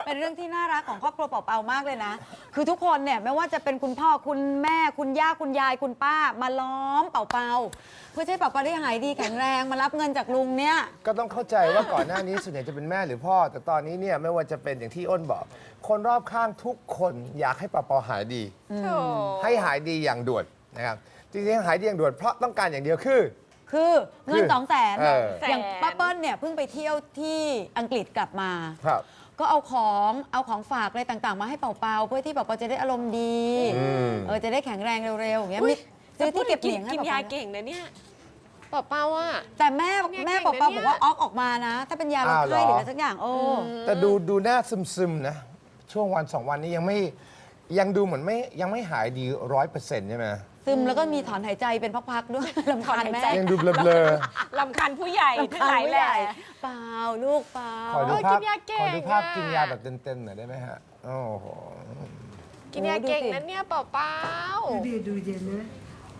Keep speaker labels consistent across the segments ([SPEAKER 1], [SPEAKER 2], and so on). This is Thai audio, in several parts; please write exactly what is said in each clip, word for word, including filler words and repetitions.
[SPEAKER 1] เป็นเรื่องที่น่ารักของครอบครัวเป่าๆมากเลยนะคือทุกคนเนี่ยไม่ว่าจะเป็นคุณพ่อคุณแม่คุณย่าคุณยายคุณป้ามาล้อมเป่าๆเพื่อให้เป่าๆได้หายดีแข็งแรงมารับเงินจากลุงเนี่ย
[SPEAKER 2] ก็ต้องเข้าใจว่าก่อนหน้านี้ส่วนใหญ่จะเป็นแม่หรือพ่อ แต่ตอนนี้เนี่ยไม่ว่าจะเป็นอย่างที่อ้นบอก คนรอบข้างทุกคนอยากให้เป่าๆหายดีให้หายดีอย่างด่วนนะครับจริงๆหายดีอย่างด่วนเพราะต้องการอย่างเดียวคือ
[SPEAKER 1] คือเงินสองแสน
[SPEAKER 2] เออ
[SPEAKER 1] อย่างป้าเปิ้ลเนี่ยเพิ่งไปเที่ยวที่อังกฤษกลับมา
[SPEAKER 2] ครับ
[SPEAKER 1] ก็เอาของเอาของฝากอะไรต่างๆ มาให้เป่าๆเพื่อที่เป่าๆจะได้อารมณ์ดีเออจะได้แข็งแรงเร็วๆอย่างเงี้ยมีซื้อที่เก็บเหรียญให้
[SPEAKER 3] กินยาเก่งนะเนี่ยเป่าเป่าอ่ะ
[SPEAKER 1] แต่แม่แม่เป่าๆบอกว่าออกออกมานะ ถ้าเป็นยาลดไข้หรืออะไรสักอย่างโอ้
[SPEAKER 2] แต่ดูดูหน้าซึมๆนะช่วงวันสองวันนี้ยังไม่ยังดูเหมือนไม่ยังไม่หายดีร้อยเปอร์เซ็นต์ใช่ไหม
[SPEAKER 1] ซึมแล้วก็มีถอนหายใจเป็นพักๆด้วยลำคาญแม่
[SPEAKER 2] ยังดูเบลอ
[SPEAKER 3] ๆลำคาญผู้ใหญ่ทั้งหลายแหละ
[SPEAKER 1] เปล่าลูกเปล่า
[SPEAKER 2] ขอดูภาพขอดูภาพกินยาแบบเต็มๆหน่อยได้ไหมฮะโอ้โห
[SPEAKER 3] กินยาเก่งนั้นเนี่ยเป่าเป่า
[SPEAKER 4] ดูดูเย็นเลย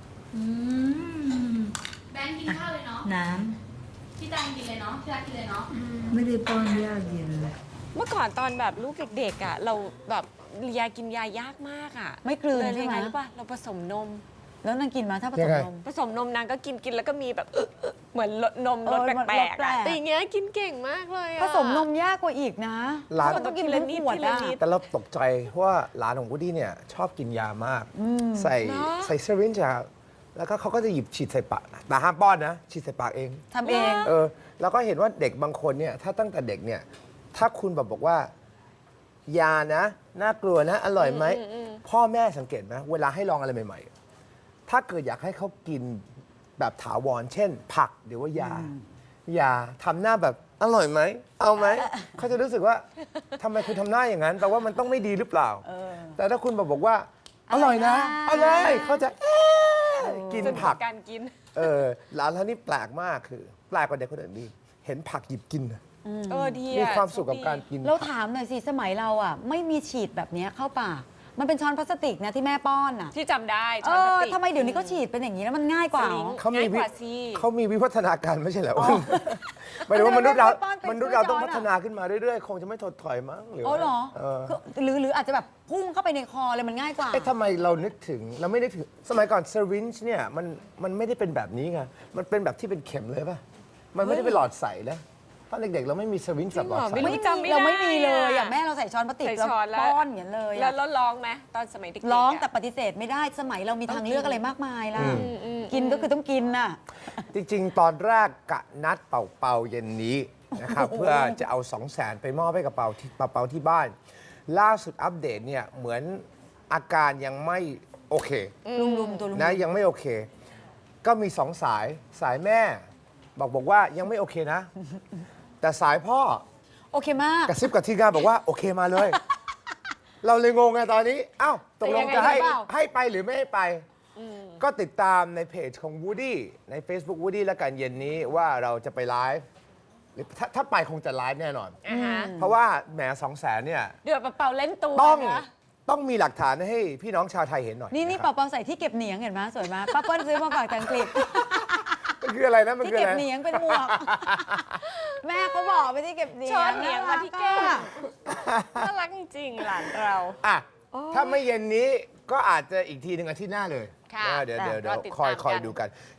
[SPEAKER 5] แบงค์กินข้าวเลยเนาะ
[SPEAKER 4] น้
[SPEAKER 5] ำพี่ตังกินเลยเนาะพี่รักกินเลยเนาะ
[SPEAKER 4] ไม่ได้ป้อนยาเย็นเลย
[SPEAKER 3] เมื่อก่อนตอนแบบลูกเด็กๆอ่ะเราแบบยากินยายากมากอ่ะ
[SPEAKER 1] ไม่กลืนใช่ไหม
[SPEAKER 3] หรือเปล่าเราผสมนม
[SPEAKER 1] แล้วนางกินมาถ้าผสมนม
[SPEAKER 3] ผสมนมนางก็กินกินแล้วก็มีแบบเหมือนลดนมรสแปลกๆแต่อย่างเงี้ยกินเก่งมากเลย
[SPEAKER 1] ผสมนมยากกว่าอีกนะ
[SPEAKER 2] หลาน
[SPEAKER 1] ต้องกินเป็นขวดอะ
[SPEAKER 2] แต่เราตกใจเพราะว่าหลานของวูดดี้เนี่ยชอบกินยามากใส่ใส่เซรินจ์แล้วก็เขาก็จะหยิบฉีดใส่ปากแต่ห้ามป้อนนะฉีดใส่ปากเอง
[SPEAKER 1] ทำเอง
[SPEAKER 2] เออแล้วก็เห็นว่าเด็กบางคนเนี่ยถ้าตั้งแต่เด็กเนี่ยถ้าคุณแบบบอกว่ายานะน่ากลัวนะอร่อยไหมพ่อแม่สังเกตไหมเวลาให้ลองอะไรใหม่ๆถ้าเกิดอยากให้เขากินแบบถาวรเช่นผักหรือว่ายายาทำหน้าแบบอร่อยไหมเอาไหมเขาจะรู้สึกว่าทำไมคุณทำหน้าอย่างนั้นแปลว่ามันต้องไม่ดีหรือเปล่าแต่ถ้าคุณบอกว่าอร่อยนะอร่อยเขาจะกินผัก
[SPEAKER 3] การกิน
[SPEAKER 2] เออหลานเรานี่แปลกมากคือแปลกกว่าเด็กคนอื่นดีเห็นผักหยิบกิน
[SPEAKER 3] เออดี
[SPEAKER 2] มีความสุขกับการกิน
[SPEAKER 1] เราถามหน่อยสิสมัยเราอ่ะไม่มีฉีดแบบนี้เข้าปากมันเป็นช้อนพลาสติกนะที่แม่ป้อนอ่ะ
[SPEAKER 3] ที่จำได้
[SPEAKER 1] ช้อนพลาสติกทำไมเดี๋ยวนี้ก็ฉีดเป็นอย่างนี้แล้วมันง่ายกว่า
[SPEAKER 2] เขามีเขามีวิวัฒนาการไม่ใช่เหรอหมายถึงว่ามนุษย์เรามนุษย์เราต้องพัฒนาขึ้นมาเรื่อยๆคงจะไม่ถดถอยมั้งหรือ
[SPEAKER 1] อ๋อเหรอหรือหรืออาจจะแบบพุ่งเข้าไปในคอเลยมันง่ายกว่า
[SPEAKER 2] เอ๊ะทำไมเรานึกถึงเราไม่ได้ถึงสมัยก่อนเซรินจ์เนี่ยมันมันไม่ได้เป็นแบบนี้ไงมันเป็นแบบที่เป็นเข็มเลยป่ะมันไม่ได้เป็นหลอดใสนะตอนเด็กๆเราไม่มีสวินสับหลอดใส
[SPEAKER 1] ไม่จำไม่ได้เราไม่มีเลยอย่างแม่เราใส่ช้อนพลาสติกแล้วป้อนอย่างเลย
[SPEAKER 3] แล้วร้องไหมตอนสมัยเด็กๆ
[SPEAKER 1] ร้องแต่ปฏิเสธไม่ได้สมัยเรามีทางเลือกอะไรมากมายล่ะกินก็คือต้องกินน่ะ
[SPEAKER 2] จริงๆตอนแรกกะนัดเป่าเป่าเย็นนี้นะครับเพื่อจะเอาสองแสนไปมอบให้กับเป่าที่เป่าเป่าที่บ้านล่าสุดอัปเดตเนี่ยเหมือนอาการยังไม่โอเค
[SPEAKER 1] ลุมๆตัวลุม
[SPEAKER 2] นะยังไม่โอเคก็มีสองสายสายแม่บอกบอกว่ายังไม่โอเคนะแต่สายพ่อ
[SPEAKER 1] โอเคมาก
[SPEAKER 2] กระซิบกับทีมงานบอกว่าโอเคมาเลย เราเลยงงไงตอนนี้อ้าวตกลงจะให้ให้ไปหรือไม่ให้ไปก็ติดตามในเพจของ Woody ใน Facebook Woody และกันเย็นนี้ว่าเราจะไปไลฟ์หรือถ้าถ้าไปคงจะไลฟ์แน่นอนเพราะว่าแหมสองแสนเนี่ย
[SPEAKER 3] เดือดเป่าเล่นตัว
[SPEAKER 2] ต้องต้องมีหลักฐานให้พี่น้องชาวไทยเห็นหน่อย
[SPEAKER 1] นี่นี่เป่าๆใส่ที่เก็บเหนียงเห็นไหมสวยมากป้าเปิ้ลซื้อมาฝากจากอังกฤษ
[SPEAKER 2] มันคืออะไรนะมัน
[SPEAKER 1] คืออะไรที่เก็บเหนียงเป็นหมวกแม่เขาบอกไปที่เก็บเหนียง
[SPEAKER 3] ช้อนเหนียงมาที่แก้มน่ารักจริงหลานเรา
[SPEAKER 2] อ่ะถ้าไม่เย็นนี้ก็อาจจะอีกทีหนึ่งอาทิตย์หน้าเลยเดี๋ยวเดี๋ยวเดี๋ยวคอยคอยดูกัน